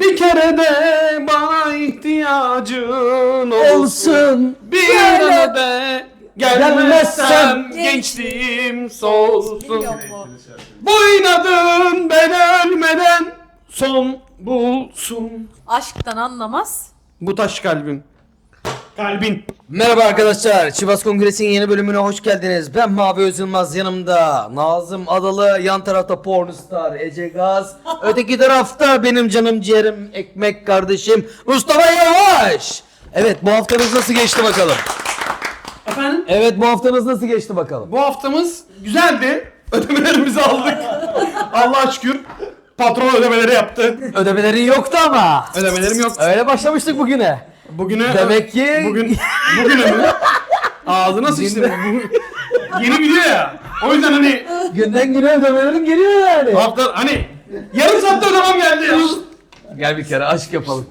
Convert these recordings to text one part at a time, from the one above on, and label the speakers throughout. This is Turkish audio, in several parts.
Speaker 1: Bir kere de bana ihtiyacın olsun. Bir kere de gelmezsem gençliğim solsun.
Speaker 2: Biliyor mu?
Speaker 1: Bu inadın ben ölmeden son bulsun.
Speaker 2: Aşktan anlamaz.
Speaker 1: Bu taş kalbim. Kalbin.
Speaker 3: Merhaba arkadaşlar, Çivas Kongresi'nin yeni bölümüne hoş geldiniz. Ben Mavi Özılmaz, yanımda Nazım Adalı, yan tarafta Pornstar Ece Gaz, öteki tarafta benim canım ciğerim ekmek kardeşim Mustafa Yavaş. Evet, bu haftanız nasıl geçti bakalım?
Speaker 1: Efendim?
Speaker 3: Evet, bu haftanız nasıl geçti bakalım?
Speaker 1: Bu haftamız güzeldi. Ödemelerimizi aldık. Allah'a şükür. Patron ödemeleri yaptı.
Speaker 3: Ödemelerin yoktu ama.
Speaker 1: Ödemelerim yok.
Speaker 3: Öyle başlamıştık bugüne.
Speaker 1: Bugüne
Speaker 3: Demek ki
Speaker 1: bugüne mi? Ağzına sıçtım. Yeni video ya. O yüzden hani
Speaker 3: günden güne ödemelerin geliyor yani.
Speaker 1: hafta hani yarım saatte ödemem geldi ya.
Speaker 3: Gel bir kere aşk yapalım.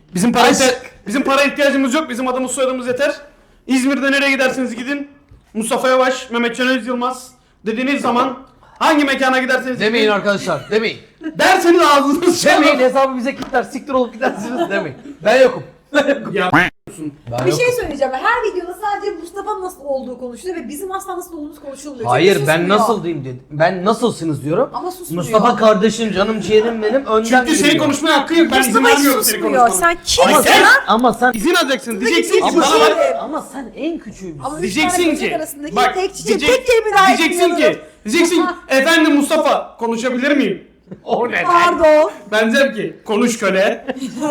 Speaker 1: Bizim para ihtiyacımız yok. Bizim adımız soyadımız yeter. İzmir'de nereye giderseniz gidin. Mustafa Yavaş, Mehmetcan Özyılmaz dediğiniz zaman hangi mekana giderseniz
Speaker 3: Demeyin
Speaker 1: gidin.
Speaker 3: arkadaşlar, demeyin.
Speaker 1: Derseniz ağzınız
Speaker 3: Demeyin,
Speaker 1: çalın.
Speaker 3: hesabı bize kilitler, siktir olup gidersiniz demeyin. Ben yokum.
Speaker 1: Ya
Speaker 2: Bir şey söyleyeceğim. Her videoda sadece Mustafa nasıl olduğu konuşuluyor ve bizim asla nasıl olduğumuz konuşulmuyor.
Speaker 3: Hayır,
Speaker 2: Çünkü
Speaker 3: ben
Speaker 2: susmuyor.
Speaker 3: nasıl diyeyim dedim. Ben nasılsınız diyorum.
Speaker 2: Ama susmuyor.
Speaker 3: Mustafa kardeşim, canım ciğerim benim, önden
Speaker 1: çünkü senin
Speaker 3: geliyor.
Speaker 1: konuşmaya hakkın yok. Ben izin
Speaker 2: Mustafa hiç
Speaker 1: vermiyorum senin
Speaker 2: susmuyor.
Speaker 1: konuşmana.
Speaker 2: Sen
Speaker 3: Ama
Speaker 2: kimsin
Speaker 3: sen,
Speaker 2: lan?
Speaker 3: ama sen,
Speaker 1: İzin alacaksın. Diyeceksin ki
Speaker 2: Peki,
Speaker 1: bana
Speaker 2: bir
Speaker 1: bak.
Speaker 2: şey-
Speaker 3: ama sen en küçüğümüzsün.
Speaker 2: Ama üç
Speaker 1: Diyeceksin
Speaker 2: tane
Speaker 1: ki
Speaker 2: böcek arasındaki
Speaker 1: bak
Speaker 2: tek kelime daha
Speaker 1: diyeceksin ki efendim Mustafa konuşabilir miyim? O ne?
Speaker 2: Pardon.
Speaker 1: Ben derim ki konuş köle.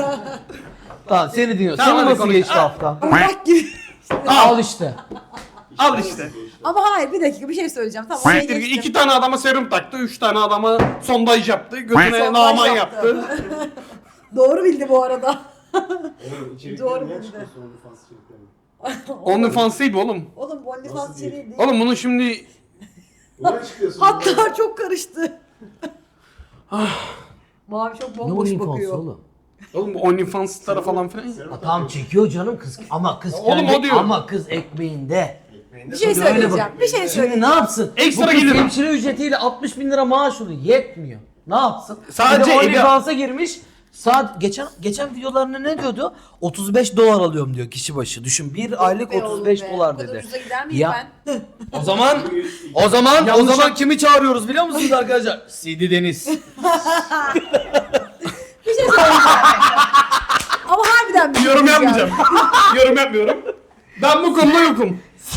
Speaker 3: Tamam, seni dinliyorum.
Speaker 1: Tamam,
Speaker 3: Senin
Speaker 1: hadi
Speaker 3: nasıl
Speaker 1: konuş.
Speaker 3: geçti hafta?
Speaker 2: Bak gibi.
Speaker 3: Al işte.
Speaker 1: Al işte.
Speaker 2: Ama hayır, bir dakika, bir şey söyleyeceğim. Tamam.
Speaker 1: Siktir git, 2 tane adama serum taktı, 3 tane adama sondaj yaptı, götüne
Speaker 2: Sondaj
Speaker 1: naman
Speaker 2: yaptı.
Speaker 1: yaptı.
Speaker 2: Doğru bildi bu arada.
Speaker 4: Oğlum içerikleri
Speaker 2: Doğru
Speaker 4: niye
Speaker 2: bildi.
Speaker 4: çıkıyorsun OnlyFans içeriklerine?
Speaker 1: OnlyFans değil bu oğlum.
Speaker 2: Oğlum bu OnlyFans
Speaker 4: Nasıl değil?
Speaker 2: içeriği değil.
Speaker 1: Oğlum bunun şimdi
Speaker 4: Buna çıkıyorsun.
Speaker 2: Hatta çok karıştı. Mavi çok
Speaker 3: Ne
Speaker 2: bomboş
Speaker 3: olayım
Speaker 2: bakıyor.
Speaker 3: oğlum?
Speaker 1: oğlum bu OnlyFans'lara falan filan.
Speaker 3: Tamam, çekiyor canım kız. Ama kız
Speaker 1: Oğlum,
Speaker 3: kendi,
Speaker 1: o diyor.
Speaker 3: ama kız ekmeğinde.
Speaker 2: Bir şey
Speaker 3: Tabii öyle
Speaker 2: söyleyeceğim.
Speaker 3: bak.
Speaker 2: Bir şey
Speaker 3: Şimdi
Speaker 2: söyleyeceğim.
Speaker 3: ne yapsın?
Speaker 1: Ekstra
Speaker 3: Bu kız
Speaker 1: gelir.
Speaker 3: hemşire ücretiyle 60 bin lira maaş alıyor. Yetmiyor. Ne yapsın?
Speaker 1: Sadece
Speaker 3: bir de
Speaker 1: evi-
Speaker 3: OnlyFans'a girmiş. Saat geçen videolarında ne diyordu? 35 dolar alıyorum diyor kişi başı. Düşün, bir aylık
Speaker 2: Be
Speaker 3: 35
Speaker 2: oğlum be.
Speaker 3: dolar
Speaker 2: Bu kadar
Speaker 3: dedi.
Speaker 2: ucuza gider miyim
Speaker 3: Ya.
Speaker 2: ben?
Speaker 3: O zaman
Speaker 1: Yanlış-
Speaker 3: kimi çağırıyoruz biliyor musunuz arkadaşlar? CD Deniz.
Speaker 2: Bir şey söyleyeceğim. Ama harbiden bir şey
Speaker 1: Yorum
Speaker 2: diyeceğim.
Speaker 1: yapmayacağım. Yorum yapmıyorum. Ben bu konuda yokum.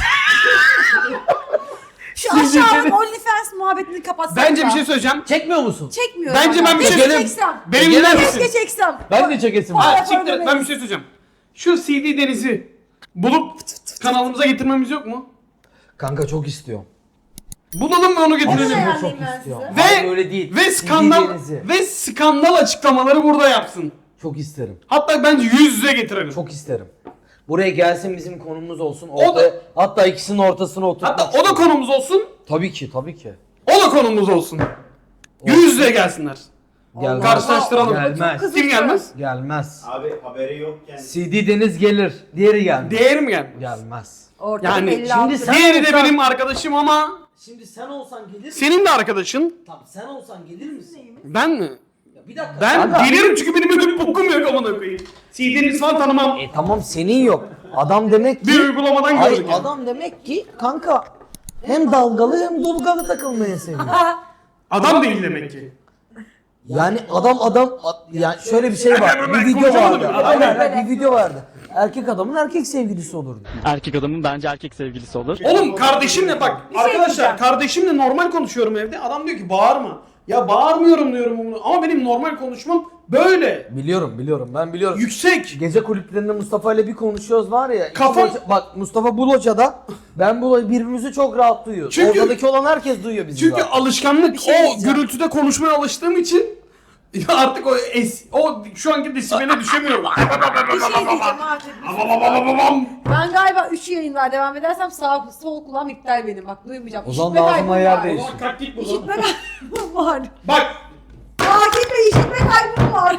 Speaker 2: Şu aşağının OnlyFans muhabbetini kapatsak
Speaker 1: Bence
Speaker 2: da.
Speaker 1: bir şey söyleyeceğim.
Speaker 3: Çekmiyor musun?
Speaker 2: Çekmiyorum.
Speaker 1: Bence ben bir şey-
Speaker 2: Keşke çeksem.
Speaker 1: Benim
Speaker 3: Gelir
Speaker 1: dinler
Speaker 3: misin?
Speaker 1: misin?
Speaker 2: Keşke çeksem.
Speaker 3: Ben de çekesim.
Speaker 2: Hayır.
Speaker 1: Ha, siktir et, ben bir şey söyleyeceğim. Şu CD Deniz'i bulup kanalımıza getirmemiz yok mu?
Speaker 3: Kanka çok istiyorum.
Speaker 1: Bulalım ve onu
Speaker 2: Nasıl
Speaker 1: getirelim.
Speaker 2: yani?
Speaker 3: Çok
Speaker 2: ben
Speaker 3: istiyorum.
Speaker 2: size.
Speaker 3: Hayır,
Speaker 1: Ve
Speaker 3: öyle değil.
Speaker 1: ve
Speaker 3: CD
Speaker 1: skandal
Speaker 3: Deniz'i.
Speaker 1: ve skandal açıklamaları burada yapsın.
Speaker 3: Çok isterim.
Speaker 1: Hatta bence yüz yüze getirelim.
Speaker 3: Çok isterim. Buraya gelsin, bizim konumuz olsun.
Speaker 1: O da-
Speaker 3: Hatta ikisinin ortasına oturtmak
Speaker 1: Hatta o da konumuz olsun.
Speaker 3: Tabii ki, tabii ki.
Speaker 1: O da konumuz olsun. Yüz yüze gelsinler.
Speaker 3: Gelmez.
Speaker 1: Karşılaştıralım.
Speaker 3: Gelmez.
Speaker 2: Çok
Speaker 1: Kim gelmez?
Speaker 3: Gelmez.
Speaker 4: Abi haberi yokken.
Speaker 3: CD Deniz gelir. Diğeri gelmez.
Speaker 1: Değeri mi gelmez?
Speaker 3: Gelmez.
Speaker 2: Ortada
Speaker 1: Yani
Speaker 2: 56
Speaker 3: şimdi sen-
Speaker 1: Diğeri de
Speaker 3: olsan-
Speaker 1: benim arkadaşım ama
Speaker 3: Şimdi sen olsan gelir misin?
Speaker 1: senin de arkadaşın.
Speaker 3: Tamam, sen olsan gelir misin?
Speaker 1: Ben mi?
Speaker 3: Ya bir dakika.
Speaker 1: Ben
Speaker 3: Kanka.
Speaker 1: gelirim çünkü benim ödüm bokum yok amına koyayım. CD'niz falan tanımam.
Speaker 3: Tamam, senin yok. Adam demek ki...
Speaker 1: Bir uygulamadan
Speaker 3: Ay,
Speaker 1: gördük yani.
Speaker 3: adam demek ki kanka hem dalgalı hem dolgalı takılmayı seviyor.
Speaker 1: Adam değil demek ki.
Speaker 3: Yani yani şöyle bir şey var.
Speaker 1: Ben
Speaker 3: Bir video
Speaker 1: konuşamadım.
Speaker 3: vardı.
Speaker 1: Adam
Speaker 3: Aynen, bir video vardı. Erkek adamın erkek sevgilisi olurdu.
Speaker 5: Erkek adamın bence erkek sevgilisi olur.
Speaker 1: Oğlum kardeşimle bak
Speaker 2: şey
Speaker 1: arkadaşlar
Speaker 2: diyeceğim.
Speaker 1: kardeşimle normal konuşuyorum evde. Adam diyor ki bağırma. Ya bağırmıyorum diyorum bunu ama benim normal konuşmam böyle.
Speaker 3: Biliyorum, ben biliyorum.
Speaker 1: Yüksek.
Speaker 3: Gece kulüplerinde Mustafa ile bir konuşuyoruz var ya. iki
Speaker 1: Kafam-
Speaker 3: bak Mustafa bu locada, ben bu birbirimizi çok rahat duyuyoruz.
Speaker 1: Çünkü-
Speaker 3: Oradaki olan herkes duyuyor bizi
Speaker 1: Çünkü
Speaker 3: zaten.
Speaker 1: alışkanlık
Speaker 2: Bir şey
Speaker 1: o
Speaker 2: diyeceğim.
Speaker 1: gürültüde konuşmaya alıştığım için ya artık o şu anki desibele düşemiyorum.
Speaker 2: Bir şey diyeceğim abi. Ben galiba 3 yayın var. Devam edersem sağ sol kulağım iptal benim. Bak duymayacağım.
Speaker 3: O zaman
Speaker 2: İşitme
Speaker 3: lazım
Speaker 2: kaybım
Speaker 3: ayar
Speaker 2: var.
Speaker 3: değiş.
Speaker 1: Ulan kalk git buradan.
Speaker 2: İşitme kaybım var.
Speaker 1: Bak
Speaker 2: Akif Bey, işitme kaybım var.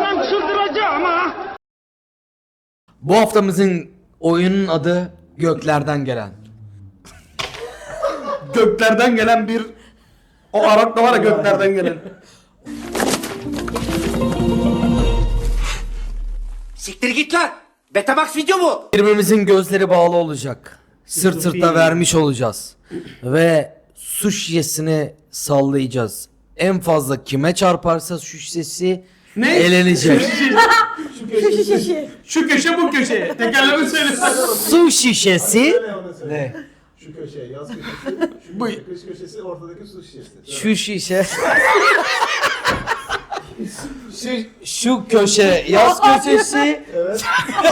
Speaker 3: Bu haftamızın oyunun adı Göklerden Gelen.
Speaker 1: göklerden gelen bir o Arap da var ya göklerden gelen.
Speaker 6: Siktir git lan. Betamax video mu?
Speaker 3: Birbirimizin gözleri bağlı olacak. Sırt sırta vermiş olacağız. Ve su şişesini sallayacağız. En fazla kime çarparsa su şişesi
Speaker 1: Ne?
Speaker 3: elenecek.
Speaker 1: Şu köşe bu köşe. Tekerleme söyle.
Speaker 3: Su şişesi
Speaker 4: Söyle ona söyle.
Speaker 3: ne?
Speaker 4: Şu köşe, yaz köşesi, şu kış köşesi, ortadaki su şişesi.
Speaker 3: Şu şişe. şu köşe yaz köşesi.
Speaker 4: Evet.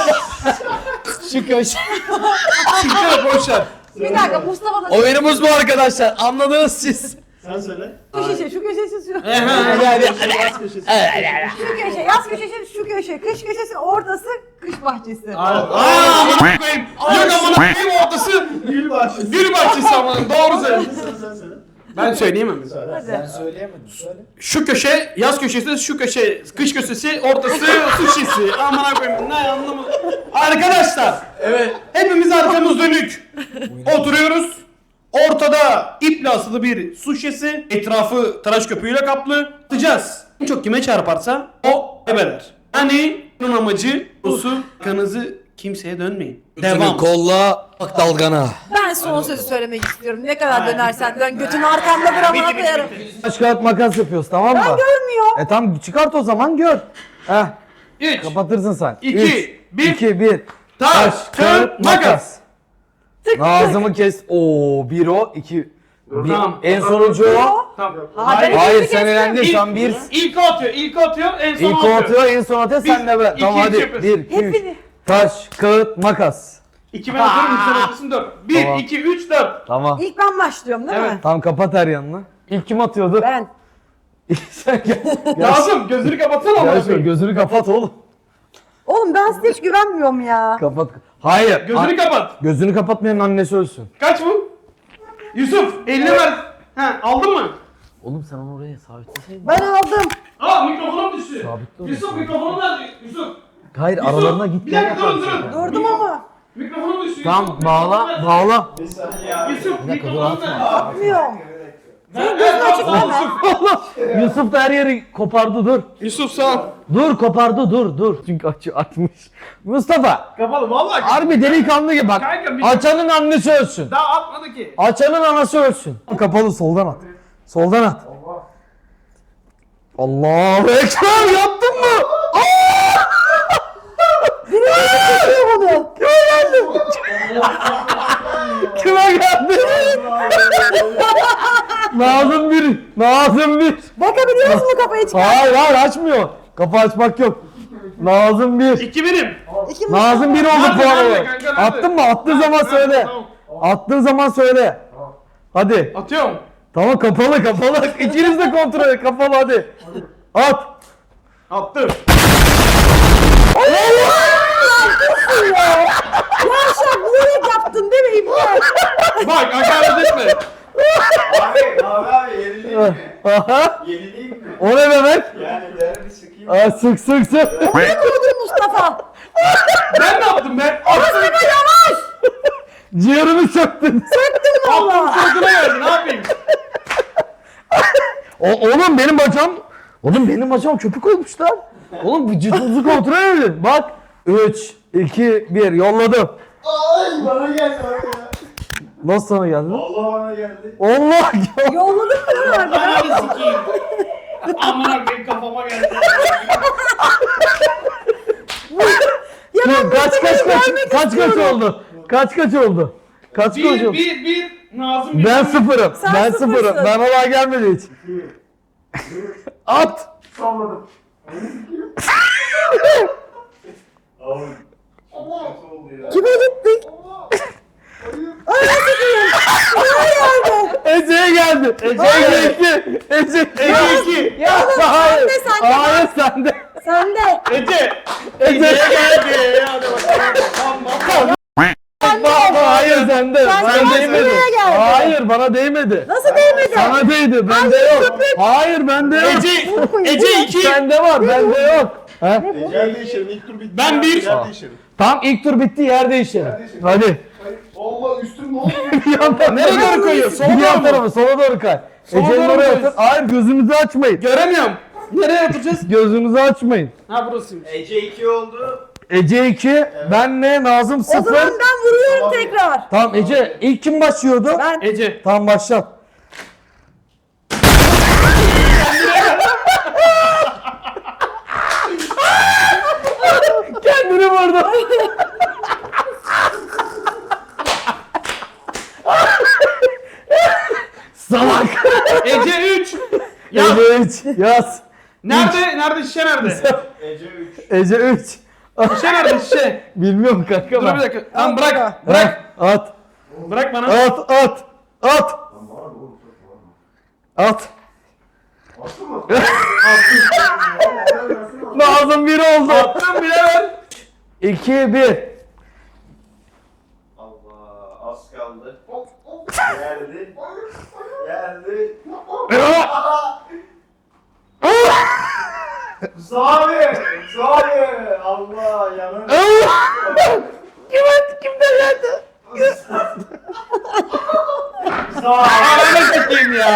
Speaker 3: Şu köşe.
Speaker 1: Siktir boşver.
Speaker 2: Bir dakika Mustafa da
Speaker 3: Oyunumuz bu arkadaşlar. Anladınız siz.
Speaker 4: Sen söyle.
Speaker 2: şu köşe, şu köşesi, şu
Speaker 4: Yaz köşesi.
Speaker 2: köşe, yaz köşesi, şu köşe, kış köşesi, ortası kış bahçesi.
Speaker 1: Aaa koyayım. Yok amına koyayım ortası.
Speaker 4: Gül bahçesi.
Speaker 1: Gül bahçesi amına. Doğru söyle.
Speaker 4: Sen söyle.
Speaker 1: Ben söyleyeyim mi?
Speaker 4: Söyle.
Speaker 2: Hadi.
Speaker 3: Söyleyemedim. Söyle.
Speaker 1: Şu köşe yaz köşesi, şu köşe kış köşesi, ortası su şişesi. Amına koyayım. Ne anlamadım. Arkadaşlar. Evet. Hepimiz arkamız dönük. Oturuyoruz. Ortada iple asılı bir su şişesi. Etrafı tıraş köpüğüyle kaplı. Atacağız. En çok kime çarparsa o ebeder. Yani bunun amacı bu su kanınızı kimseye dönmeyin. Devam.
Speaker 3: Kolla bak dalgana.
Speaker 2: Ben son sözü söylemek istiyorum. Ne kadar dönersen dön, götünü arkamda bırakmana koyarım.
Speaker 7: Taş kağıt makas yapıyoruz, tamam mı?
Speaker 2: Ben görmüyorum.
Speaker 7: Tamam, çıkart o zaman, gör. Heh,
Speaker 1: 3,
Speaker 7: kapatırsın sen.
Speaker 1: 2, 1.
Speaker 7: 2, 1.
Speaker 1: Taş, kağıt, makas.
Speaker 7: Nazım'ı kes. Oo, 1 o, 2.
Speaker 1: Tamam.
Speaker 7: En sonuncu o.
Speaker 1: Tamam.
Speaker 2: Hayır,
Speaker 7: Hayır, sen elendin, şu an 1.
Speaker 1: İlk o atıyor, ilk o atıyor, en son
Speaker 7: İlk
Speaker 1: o
Speaker 7: o
Speaker 1: atıyor.
Speaker 7: atıyor, en son atıyor, sen de be.
Speaker 1: iki,
Speaker 7: Tamam
Speaker 1: üç
Speaker 7: hadi.
Speaker 1: yapıyorsun.
Speaker 7: 1, 2, 3.
Speaker 2: Hepini.
Speaker 7: Taş, kağıt, makas.
Speaker 1: 2 ben atıyorum, sen atıyorsun 4. 1,
Speaker 7: Tamam.
Speaker 1: 2, 3, 4.
Speaker 7: Tamam.
Speaker 2: İlk ben başlıyorum değil mi?
Speaker 7: Tamam, kapat her yanını. İlk kim atıyordu?
Speaker 2: Ben.
Speaker 7: Sen gel.
Speaker 1: Lazım, gözünü kapatsana
Speaker 7: Gel
Speaker 1: ama.
Speaker 7: şöyle, gözünü kapat oğlum.
Speaker 2: Oğlum ben size hiç güvenmiyorum ya.
Speaker 7: Kapat. Hayır.
Speaker 1: Gözünü kapat.
Speaker 7: Gözünü kapatmayanın annesi ölsün.
Speaker 1: Kaç bu? Yusuf, elini ver. Ha, aldın mı?
Speaker 7: Oğlum sen onu oraya sabitleseydin.
Speaker 2: Ben aldım.
Speaker 1: Aa, mikrofonum düştü.
Speaker 7: Sabit dur.
Speaker 1: Yusuf, mikrofonu ver. Yusuf.
Speaker 7: Hayır,
Speaker 1: Yusuf,
Speaker 7: aralarına git.
Speaker 1: Bir dakika durun.
Speaker 2: Durdum ama.
Speaker 1: Mikrofonum düştü.
Speaker 7: Tamam,
Speaker 1: Yusuf,
Speaker 7: bağla,
Speaker 1: mikrofonu ver.
Speaker 7: bağla.
Speaker 1: Yusuf,
Speaker 7: dakika, dur,
Speaker 1: mikrofonu ver.
Speaker 2: Bilmiyorum.
Speaker 1: Gözün
Speaker 2: açık deme.
Speaker 7: Yusuf da her yeri kopardı, dur.
Speaker 1: Yusuf sağ ol.
Speaker 7: Dur, kopardı, dur. Çünkü açmış. Mustafa,
Speaker 1: Kapalı vallahi.
Speaker 7: harbi delikanlı gibi bak.
Speaker 1: Kanka, bir-
Speaker 7: Açanın annesi ölsün.
Speaker 1: Daha atmadı ki.
Speaker 7: Açanın anası ölsün. Kapalı, soldan at. Soldan at. Allahu Ekber, yaptın mı?
Speaker 2: Çekiyor bunu.
Speaker 7: Kime geldi? Nazım bir. Nazım bir.
Speaker 2: Bakabiliyor musun kafayı çıkar?
Speaker 7: Hayır, açmıyor. Kapı açmak yok. Nazım bir.
Speaker 1: 2 birim.
Speaker 2: İki
Speaker 7: Nazım bir oldu
Speaker 1: Nerede,
Speaker 7: puan
Speaker 1: nerede
Speaker 7: olarak.
Speaker 1: kanka, nerede?
Speaker 7: Attın mı? Attığın zaman
Speaker 1: Nerede?
Speaker 7: söyle.
Speaker 1: Tamam.
Speaker 7: Attığın zaman söyle. Hadi.
Speaker 1: Atıyorum.
Speaker 7: Tamam, kapalı. İkiniz de kontrol et. Kapalı, hadi. At.
Speaker 1: Attım.
Speaker 2: Yaşar bilerek yaptın değil mi İbrahim?
Speaker 1: Bak hakaret etme.
Speaker 4: Abi yenileyim mi?
Speaker 7: Aha.
Speaker 4: Yenileyim mi?
Speaker 7: O ne demek?
Speaker 4: Yani derbi sıkayım.
Speaker 7: Aa, sık.
Speaker 2: Ne oldu Mustafa?
Speaker 1: Ben ne yaptım ben?
Speaker 2: Mustafa yavaş.
Speaker 7: Ciğerimi söktün.
Speaker 2: Valla.
Speaker 1: Sırtına geldi ne yapayım?
Speaker 7: Oğlum benim bacağım köpük olmuş lan. Oğlum vücudunuzu kontrol edin. Bak. 3, 2, 1 yolladım.
Speaker 4: Ay bana geldi bana ya.
Speaker 7: Nasıl sana geldi?
Speaker 4: Allah bana geldi.
Speaker 7: Allah ya.
Speaker 2: Yolladın mı lan harbiden?
Speaker 1: Hadi sikeyim. Amına koyayım kafama geldi.
Speaker 2: Ya ben
Speaker 7: Kaç oldu? Kaç oldu? Kaç oldu?
Speaker 1: Bir. Nazım bir.
Speaker 7: Ben sıfırım.
Speaker 2: Sen
Speaker 7: Ben
Speaker 2: sıfırsın.
Speaker 7: sıfırım. Ben olay gelmedi hiç. At.
Speaker 4: Salladım. Abi. Nasıl oldu ya?
Speaker 2: Kime gittik? Ay sıkıyorum.
Speaker 7: Ece'ye geldi. Ece
Speaker 1: 2.
Speaker 7: Ya hayır.
Speaker 2: Sende.
Speaker 7: Hayır sende.
Speaker 2: Sen de.
Speaker 1: Ece.
Speaker 7: Ece
Speaker 1: Geldi. Hadi bakalım. Tamam.
Speaker 7: Hayır sende.
Speaker 2: Sen
Speaker 7: Bana
Speaker 2: de
Speaker 7: değmedi.
Speaker 2: buraya geldi.
Speaker 7: Hayır bana değmedi.
Speaker 2: Nasıl değmedi?
Speaker 7: Sana değdi. Bende yok. Hayır bende yok.
Speaker 1: Ece 2.
Speaker 7: Sende var. Bende yok. Ha?
Speaker 4: Yer değişelim. İlk tur bitti.
Speaker 1: Ben bir.
Speaker 4: Yer değişelim.
Speaker 7: Tamam, ilk tur bitti, yer değişelim. Hadi.
Speaker 4: Allah üstüm ne oldu?
Speaker 7: Bir yan tarafa.
Speaker 1: Nereye doğru koyuyor? Sola
Speaker 7: Bir yan
Speaker 1: doğru mu?
Speaker 7: tarafa, sola doğru kay.
Speaker 1: Sola
Speaker 7: Ece'nin
Speaker 1: doğru
Speaker 7: oraya
Speaker 1: koy.
Speaker 7: atın. Hayır, gözünüzü açmayın.
Speaker 1: Göremiyorum. Nereye atacağız?
Speaker 7: Gözünüzü açmayın.
Speaker 1: Ha burasıymış.
Speaker 4: Ece 2 oldu.
Speaker 7: Ece 2, ben ne? Nazım
Speaker 2: O zaman
Speaker 7: 0.
Speaker 2: ben vuruyorum tekrar.
Speaker 7: Tamam Ece, ilk kim başlıyordu?
Speaker 2: Ben
Speaker 1: Ece.
Speaker 7: Tamam başlat. Kendini vurdu. Salak.
Speaker 1: Ece 3. Ya
Speaker 7: Ece 3 yaz.
Speaker 1: nerede? Nerede şişe nerede?
Speaker 4: Ece 3.
Speaker 7: Ece 3.
Speaker 1: Şişe nerede şişe?
Speaker 7: Bilmiyorum kanka
Speaker 1: Dur bir
Speaker 7: ben.
Speaker 1: dakika. Tamam bırak.
Speaker 7: Bırak. At.
Speaker 1: Bırak bana.
Speaker 7: At. At. At. At. Nazım 1 oldu.
Speaker 1: Attım bile ver.
Speaker 7: 2 1.
Speaker 4: Allah az kaldı. Geldi. Geldi. Zavi! Zavi! Allah yanın.
Speaker 7: Kimden geldi?
Speaker 4: Zavi!
Speaker 1: Ananı sikeyim ya.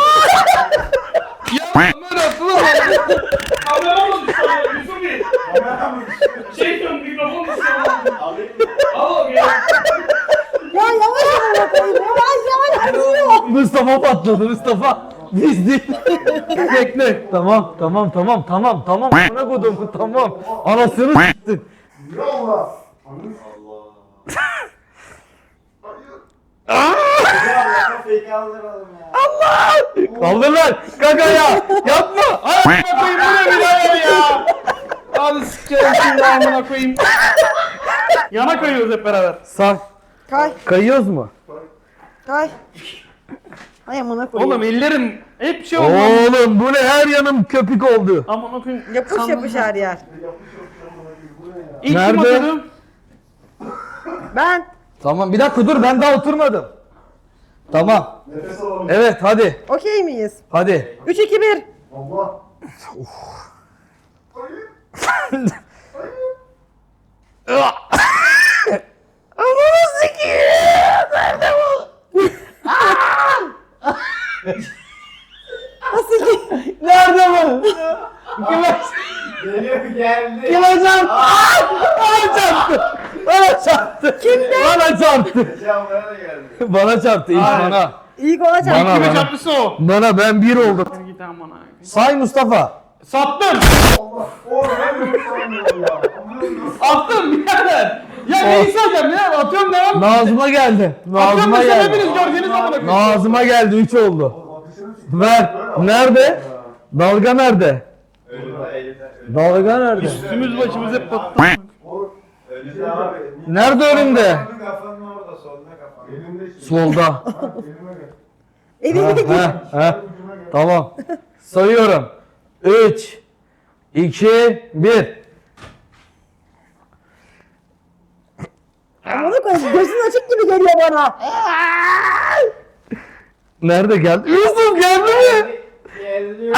Speaker 1: Ya böyle atılır mı? Kamera mı düşüyor? Yusuf Bey. Şey diyorum mikrofon düşüyor.
Speaker 4: Alayım mı?
Speaker 1: Al ya.
Speaker 2: ya yavaş yavaş koyayım. Yavaş vuruyor.
Speaker 7: Mustafa patladı Mustafa. Biz değil. Bekle. Tamam. Ana kodum tamam. Anasını s**tin.
Speaker 4: Allah! Allah! Fake aldıralım ya.
Speaker 7: Kaldır lan. Kaka ya. Yapma.
Speaker 1: Amına koyayım bu ne birader ya. Hadi sikerim şimdi amına koyayım. Yana kayıyoruz hep beraber.
Speaker 7: Sağ.
Speaker 2: Kay
Speaker 7: Kayıyoruz mu?
Speaker 2: kay. Ay amına koyayım.
Speaker 1: Oğlum ellerim hep şey oldu.
Speaker 7: Oğlum bu ne, her yanım köpük oldu.
Speaker 1: Amına koyayım.
Speaker 2: Yapış yapış her yer.
Speaker 1: İlk kim
Speaker 7: Nerede?
Speaker 1: atıyordu?
Speaker 2: Ben.
Speaker 7: Tamam bir dakika dur, ben daha oturmadım. Tamam.
Speaker 4: Nefes alalım.
Speaker 7: Evet hadi.
Speaker 2: Okey miyiz?
Speaker 7: Hadi.
Speaker 2: 3 2 1.
Speaker 4: Allah!
Speaker 2: Nasıl ki?
Speaker 7: Nerede bu? Kime?
Speaker 4: Geliyor geldi.
Speaker 7: Kime çarptı? Bana çarptı. Bana çarptı. Kimde? Bana çarptı.
Speaker 4: Ece ablaya da geldi.
Speaker 7: Bana çarptı ilk
Speaker 1: Hayır.
Speaker 7: bana.
Speaker 2: İlk olacak.
Speaker 7: Bana.
Speaker 1: Kime çarptısı o?
Speaker 7: Bana, ben 1 oldum.
Speaker 1: Git amına.
Speaker 7: Say Mustafa.
Speaker 1: Sattım.
Speaker 4: Allah! Oğlum ben de sanmıyorum ya.
Speaker 1: Attım birader. Ya neyi sayacağım ya? Atıyorum devam.
Speaker 7: Nazım'a geldi.
Speaker 1: Atıyorum
Speaker 7: Nazım'a
Speaker 1: mesela
Speaker 7: geldi.
Speaker 1: hepiniz gördüğünüz amına koyayım.
Speaker 7: Nazım'a geldi, 3 oldu. Ver. Nerede? Dalga nerede?
Speaker 4: Önünde elinde.
Speaker 7: Dalga nerede?
Speaker 1: Üstümüz başımız hep battı.
Speaker 4: Önünde abi.
Speaker 7: Nerede önümde?
Speaker 4: Kafanın orada, solda kafan. Elimde
Speaker 7: Solda.
Speaker 2: Evime git.
Speaker 7: Tamam. Sayıyorum. 3 2 1.
Speaker 2: Amına koyayım. Gözün açık gibi geliyor bana.
Speaker 7: Nerede geldi? Yusuf geldi mi?
Speaker 4: Geliyor.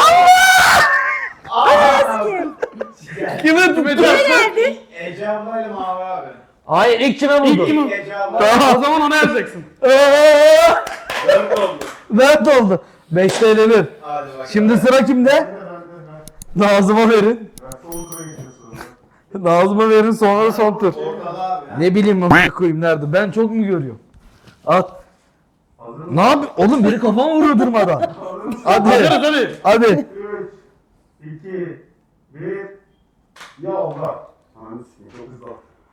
Speaker 2: Kim?
Speaker 7: Kime tuttu?
Speaker 2: Geldi.
Speaker 4: Ece ablayla Mavi abi.
Speaker 7: Hayır, ilk kime vurdu?
Speaker 1: İlk kim?
Speaker 4: Ece abla.
Speaker 1: O zaman ona yazacaksın.
Speaker 4: 4 oldu.
Speaker 7: 4 oldu. 5'te elenir.
Speaker 4: Hadi bakalım.
Speaker 7: Şimdi sıra kimde? Nazım'a verin. Nazım'a verin, sonra son tur.
Speaker 4: Ortada abi.
Speaker 7: Ne bileyim amına koyayım nerede? Ben çok mu görüyorum? At. Ne yap? Oğlum biri kafama vuruyor durmadan. Hadi.
Speaker 1: Hazırız hadi.
Speaker 7: Hadi.
Speaker 4: 3, 2, 1. Ya Allah. Ananı sikeyim, çok hızlı.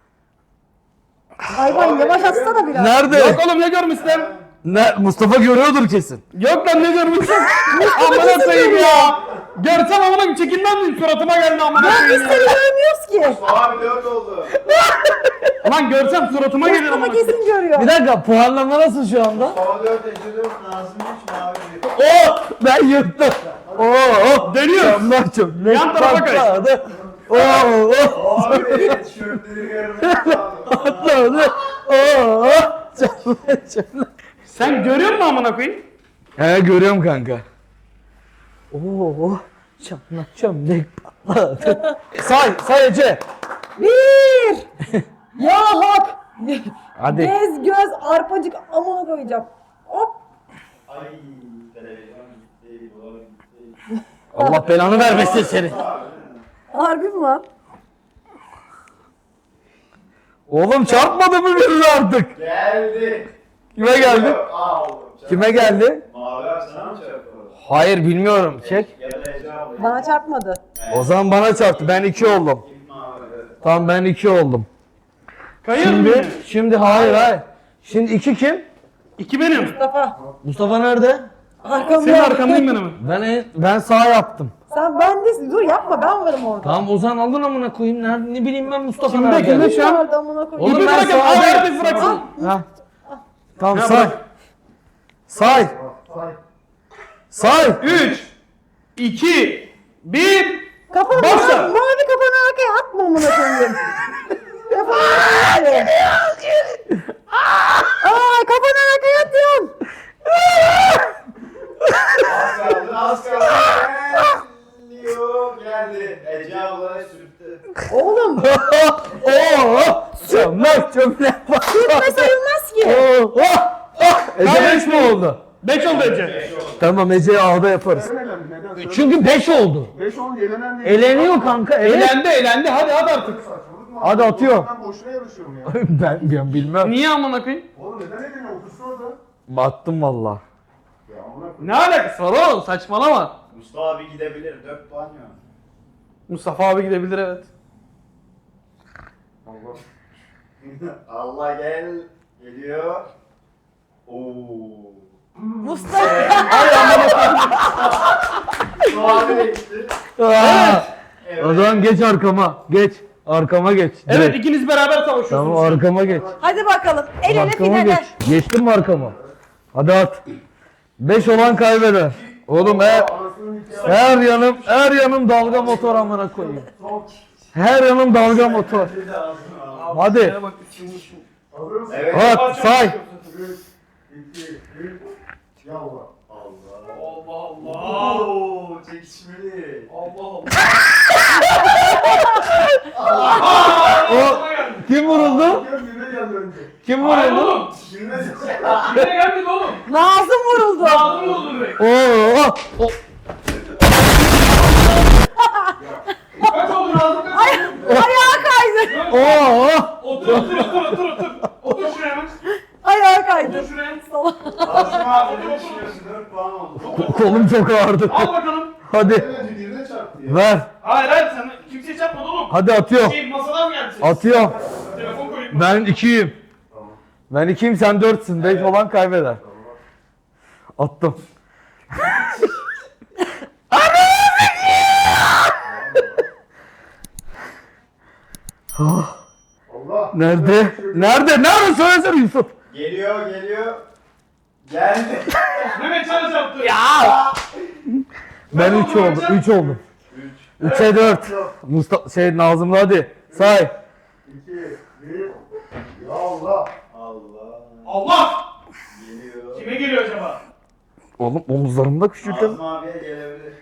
Speaker 2: Hayvan yavaş atsana biraz.
Speaker 7: Nerede?
Speaker 1: Yok oğlum ne görmüşler?
Speaker 7: Ne? Mustafa görüyordur kesin.
Speaker 1: Yok lan ne görmüşsün? Amına koyayım ya. Görsem amına koyayım çekinmem miyim? Suratıma geldi amına
Speaker 2: Biz
Speaker 1: koyayım
Speaker 2: seni
Speaker 1: ya.
Speaker 2: görmüyoruz ki.
Speaker 4: Abi 4 oldu.
Speaker 1: Lan görsem suratıma gelir
Speaker 2: Ama
Speaker 1: amına koyayım.
Speaker 2: kesin görüyor.
Speaker 7: Bir dakika, puanlama nasıl şu anda?
Speaker 4: Hava 4, Ece 4, Nazım 3, Mavi 1.
Speaker 7: Oh! Ben yırttım. Oh!
Speaker 1: Dönüyoruz.
Speaker 7: Camlar çok.
Speaker 1: Yan tarafa kay.
Speaker 7: Patladı. Oh!
Speaker 4: Abi tişörtleri görmek lazım.
Speaker 7: Patladı. Oh! Camlar.
Speaker 1: Sen görüyor musun amına koyayım?
Speaker 7: He, görüyorum kanka. Oo! Çamlak çömlek patladı. Say Ece.
Speaker 2: 1. Ya hak.
Speaker 7: Hadi.
Speaker 2: Bez göz arpacık amına koyacağım. Hop.
Speaker 4: Ay televizyon gitti, dolar gitti.
Speaker 7: Allah belanı vermesin seni.
Speaker 2: Harbi mi lan?
Speaker 7: Oğlum çarpmadı mı birini artık?
Speaker 4: Geldi.
Speaker 7: Kime geldi?
Speaker 4: Aa oğlum.
Speaker 7: Kime geldi?
Speaker 4: Mavi abi sana mı çarptı?
Speaker 7: Hayır bilmiyorum. Çek.
Speaker 4: Ya da Ece abla.
Speaker 2: Bana çarpmadı.
Speaker 7: O zaman bana çarptı. Ben 2 oldum.
Speaker 4: Mavi.
Speaker 7: Tamam ben 2 oldum.
Speaker 1: Kayır mı?
Speaker 7: Şimdi hayır. Şimdi 2 kim?
Speaker 1: 2 benim.
Speaker 2: Mustafa.
Speaker 7: Mustafa nerede?
Speaker 2: Arkamda.
Speaker 1: Senin arkamdayım ben hemen.
Speaker 7: Ben sağ yaptım.
Speaker 2: Ben de dur yapma ben varım orada.
Speaker 7: Tamam Ozan alın amına koyayım. Nerede ne bileyim ben Mustafa
Speaker 1: Kimde,
Speaker 7: nerede?
Speaker 1: kimde şu an?
Speaker 2: Orada amına koyayım.
Speaker 7: Oğlum
Speaker 1: İpi
Speaker 7: ben
Speaker 1: bırakın.
Speaker 7: sağ-
Speaker 1: Abi herkes bıraksın.
Speaker 7: Ha. Tamam
Speaker 1: Ya
Speaker 7: say.
Speaker 1: bırak.
Speaker 7: Say. Say.
Speaker 1: 3, 2, 1.
Speaker 2: Kafanı
Speaker 1: Başla.
Speaker 2: mavi kafanı arkaya atma amına koyayım. Kafanı arkaya. Kafanı arkaya atıyorsun.
Speaker 4: Az kaldı. Geliyor. Geldi. Ece abla sürttü.
Speaker 2: Oğlum
Speaker 7: Oo. Çömlek çömlek.
Speaker 2: sürtme sayılmaz ki.
Speaker 7: Oo. Ece 5 mi oldu?
Speaker 1: 5 oldu Ece.
Speaker 7: Tamam Ece'yi A'da yaparız.
Speaker 4: Neden?
Speaker 7: Çünkü 5 oldu.
Speaker 4: 5 oldu elenen değil.
Speaker 7: Eleniyor kanka.
Speaker 1: Elendi. Hadi artık.
Speaker 4: Saçmalık mı?
Speaker 7: Hadi atıyorum.
Speaker 4: Ben boşuna yarışıyorum ya.
Speaker 7: ben bilmem.
Speaker 1: Niye amına koyayım?
Speaker 4: Oğlum neden eleniyor? Otursun orada.
Speaker 7: Battım valla.
Speaker 4: Ya amına koyayım.
Speaker 1: Ne alakası var oğlum? Saçmalama.
Speaker 4: Mustafa abi gidebilir. 4 puan ya.
Speaker 1: Mustafa abi gidebilir evet.
Speaker 4: Allah. Allah geliyor. Oo.
Speaker 2: Mustafa.
Speaker 4: Mustafa abi gitti. Evet.
Speaker 7: O zaman geç arkama. Geç. Arkama geç.
Speaker 1: Evet
Speaker 7: Direkt.
Speaker 1: ikiniz beraber savaşıyorsunuz.
Speaker 7: Tamam arkama geç.
Speaker 2: Hadi bakalım. El ele
Speaker 7: Arkama
Speaker 2: finale.
Speaker 7: geç. Geçtin mi arkama? Hadi at. 5 olan kaybeder. Oğlum
Speaker 4: Anasının hikayesi.
Speaker 7: her yanım dalga motor amına koyayım. Her yanım dalga motor. Hadi.
Speaker 4: Hazır mısın? Evet.
Speaker 7: At say.
Speaker 4: 3, 2, 1. Yallah.
Speaker 1: Allah.
Speaker 4: Oo, çekişmeli.
Speaker 7: O kim vuruldu?
Speaker 4: Birine geldi önce.
Speaker 7: Kim
Speaker 1: Hayır
Speaker 7: vuruldu?
Speaker 1: oğlum.
Speaker 4: Birine geldi.
Speaker 1: Yine gelmedi oğlum.
Speaker 2: Nazım vuruldu.
Speaker 1: Ağzım oldu direkt.
Speaker 7: Oo. O.
Speaker 1: Kaç oldu ağzım kaç oldu?
Speaker 2: Ayağa kaydı.
Speaker 7: Oo.
Speaker 1: Otur. Otur şuraya hemen.
Speaker 2: Ayağa kaydı.
Speaker 1: Otur şuraya.
Speaker 4: Asım abi ne düşünüyorsun? 4 puan oldu.
Speaker 7: Kolum çok ağrıdı.
Speaker 1: Al bakalım.
Speaker 7: Hadi
Speaker 4: Önce birine çarptı ya.
Speaker 7: ver.
Speaker 1: Hayır sen kimseye çarpmadı oğlum.
Speaker 7: Hadi atıyorum.
Speaker 1: Masadan mı geldi?
Speaker 7: Atıyorum.
Speaker 1: Telefon koyayım.
Speaker 7: Ben 2'yim. Ben 2'yim sen 4'sün. 5 olan kaybeder. Attım.
Speaker 4: Allah.
Speaker 7: Nerede? Nerede? Nerede? Söylesene Yusuf.
Speaker 4: Geliyor. Geldi.
Speaker 1: Mehmet sana çarptı.
Speaker 7: Ben 3 oldum. 3 oldum. 3'e 4. Mustafa Nazım'la hadi. Say.
Speaker 4: 2, 1. Ya Allah.
Speaker 1: Allah.
Speaker 4: Geliyor.
Speaker 1: Kime geliyor acaba?
Speaker 7: Oğlum omuzlarımda küçültün.
Speaker 4: Nazım abiye gelebilir.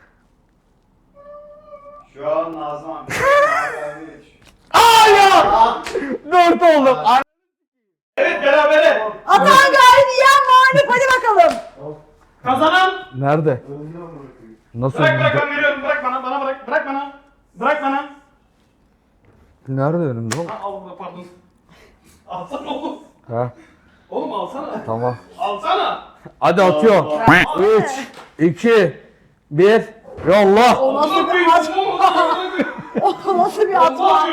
Speaker 4: Şu an Nazım abi. Nazım abiye geçiyor.
Speaker 7: Aa ya! 4 oldum.
Speaker 1: Evet berabere.
Speaker 2: Atan galip yiyen mağlup. Hadi bakalım.
Speaker 1: Kazanan.
Speaker 7: Nerede?
Speaker 4: Önüne bırakayım.
Speaker 7: Nasıl?
Speaker 1: Bırak ben veriyorum. Bırak bana bırak. Bırak bana.
Speaker 7: Nerede önümde oğlum?
Speaker 1: Ha, Allah pardon. Alsana oğlum.
Speaker 7: Ha
Speaker 1: Oğlum alsana.
Speaker 7: tamam.
Speaker 1: Alsana.
Speaker 7: Hadi atıyorum. 3, 2, 1. Yolla.
Speaker 2: O nasıl
Speaker 1: Nasıl
Speaker 2: bir at? O nasıl bir atma?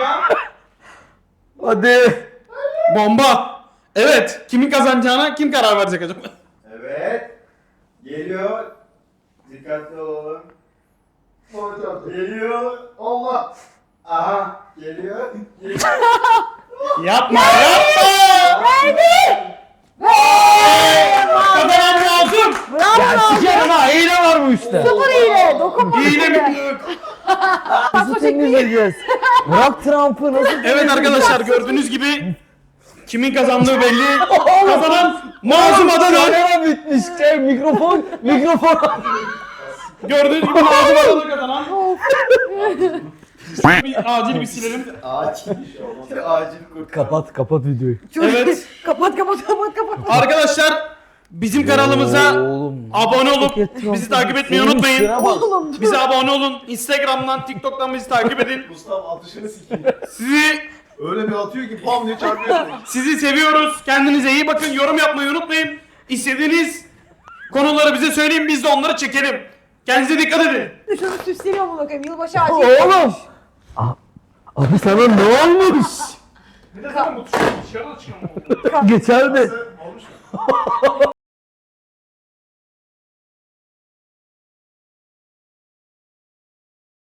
Speaker 7: Hadi.
Speaker 1: Bomba. Evet. Kimin kazanacağına kim karar verecek acaba?
Speaker 4: Evet. Geliyor. Dikkatli olalım. Bana çarptı. Geliyor. Allah. Aha. Geliyor.
Speaker 1: Yapma.
Speaker 2: Verdi.
Speaker 1: Kazanan lazım.
Speaker 2: Bravo Nazım.
Speaker 7: Sikerim ha hile var bu işte.
Speaker 2: Sıfır hile. Dokunma.
Speaker 1: İğne
Speaker 2: hile.
Speaker 1: mi?
Speaker 7: Nasıl temizleyeceğiz? Bırak Trump'ı nasıl
Speaker 1: Evet arkadaşlar gördüğünüz gibi kimin kazandığı belli. Kazanan Nazım Adalı.
Speaker 7: Kamera bitmiş. Mikrofon.
Speaker 1: Gördüğünüz gibi Nazım Adalı kazanan. Acil bir silelim.
Speaker 4: Acil bir şey olmaz. Acil kurt.
Speaker 7: Kapat videoyu.
Speaker 1: Evet.
Speaker 2: Kapat.
Speaker 1: Arkadaşlar bizim kanalımıza
Speaker 7: Oğlum.
Speaker 1: abone olup bizi takip etmeyi unutmayın.
Speaker 2: Oğlum.
Speaker 1: Bize abone olun. Instagram'dan, TikTok'tan bizi takip edin.
Speaker 4: Mustafa atışını sikeyim.
Speaker 1: Sizi
Speaker 4: Öyle bir atıyor ki pam diye çarpıyor.
Speaker 1: Sizi seviyoruz. Kendinize iyi bakın. Yorum yapmayı unutmayın. İstediğiniz konuları bize söyleyin. Biz de onları çekelim. Kendinize dikkat edin.
Speaker 2: Şunu süsleniyor mu bakayım? Yılbaşı ağacı.
Speaker 7: Oğlum. Abi sana ne olmuş?
Speaker 1: Bir de sen bu dışarıda çıkalım.
Speaker 7: Geçerdi.
Speaker 4: Olmuş mu?